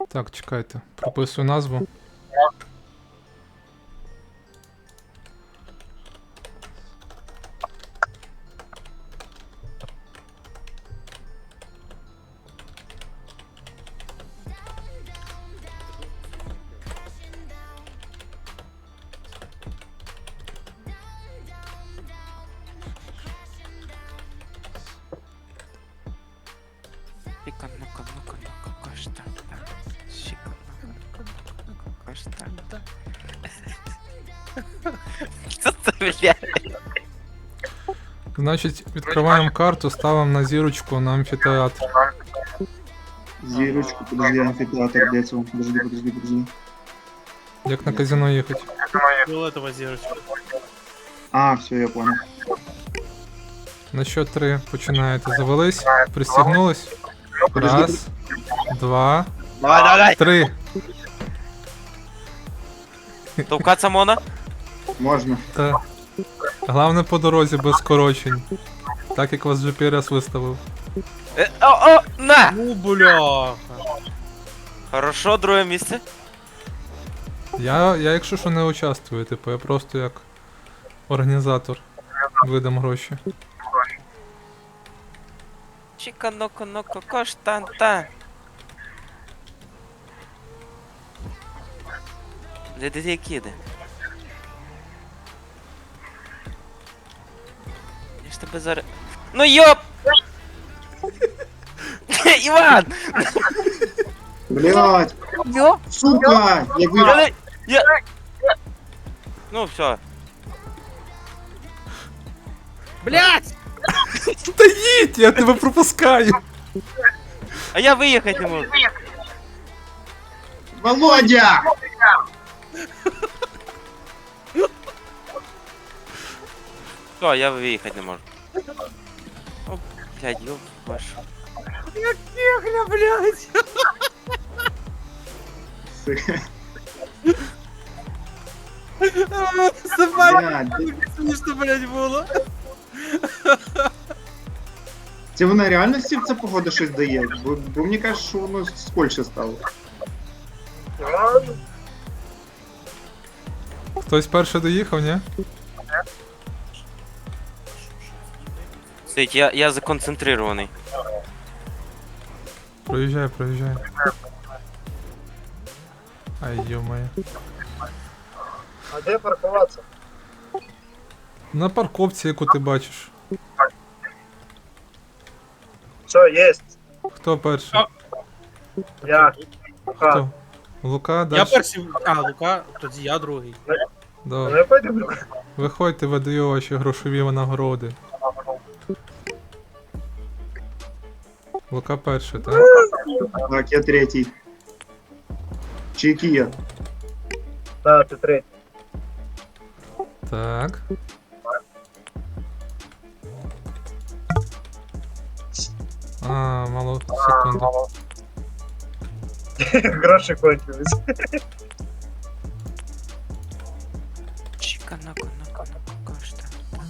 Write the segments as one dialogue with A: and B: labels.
A: Так, чекайте, прописую назву.
B: Чика, ну-ка, каштанта. Чика, ну-ка, каштанта. Що це, блядь?
A: Значить, відкриваємо карту, ставимо на зірочку на амфітеатр.
C: Зірочку, подожди, амфітеатр, де це? Подожди.
A: Як на казино їхати.
D: Фиолетовая зірочка.
C: А, все, я понял.
A: На счет 3 починаєте. Завелись, пристігнулись. Раз, два,
B: Давай.
A: 3.
B: Товкаться можна?
C: Можна.
A: Та. Головне по дорозі без скорочень. Так як вас GPS виставив.
B: О, на!
D: Ну, бляха.
B: Хорошо, друге місце.
A: Я якщо що не участвую, типу, я просто як організатор видам гроші.
B: Чика, ну-ка, каштанта. Де киди? Я ж тебе зараз... Ну йоп! Іван!
C: Блять,
B: Йоп!
C: сука, я вирвав.
B: Ну все.
D: Блять!
A: Та їдь, я тебе пропускаю!
B: А я виїхати не можу.
C: Володя!
B: Все, я виїхати не можу. О, блядь, ёб вашу.
D: Ехля, блять!
C: Сука,
D: Собака,
C: блядь.
D: смішно, блять, було.
C: Це вона реально в це походу щось дає? Бо мені кажуть, що воно скольше стало.
A: Хтось перший доїхав, ні?
B: Сидь, я законцентрирований.
A: Проїжджай. Ай, ё-моё.
E: А де паркуватися?
A: На парковці, яку ти бачиш.
E: Все, єсть.
A: Хто перший?
E: Я.
A: Хто? Лука,
D: Я
A: дальше.
D: перший. А, Лука, тоді я другий.
A: Добре.
E: Не пойду.
A: Виходьте, видаю ваші грошові нагороди. Лука перший, так?
C: Так, я третій. Чи який я?
E: Так, ти третій.
A: Так. А, мало секунду.
E: Гроші кончились.
B: Чика, ну-ка, каштанта.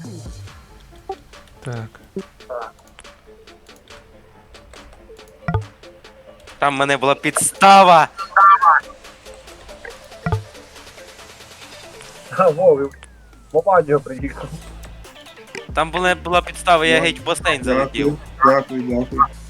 A: Так.
B: Там в мене була підстава.
E: А, Вов, Вованьо приїхав.
B: Там була підстава, я геть в басейн залетів.
C: Дякую.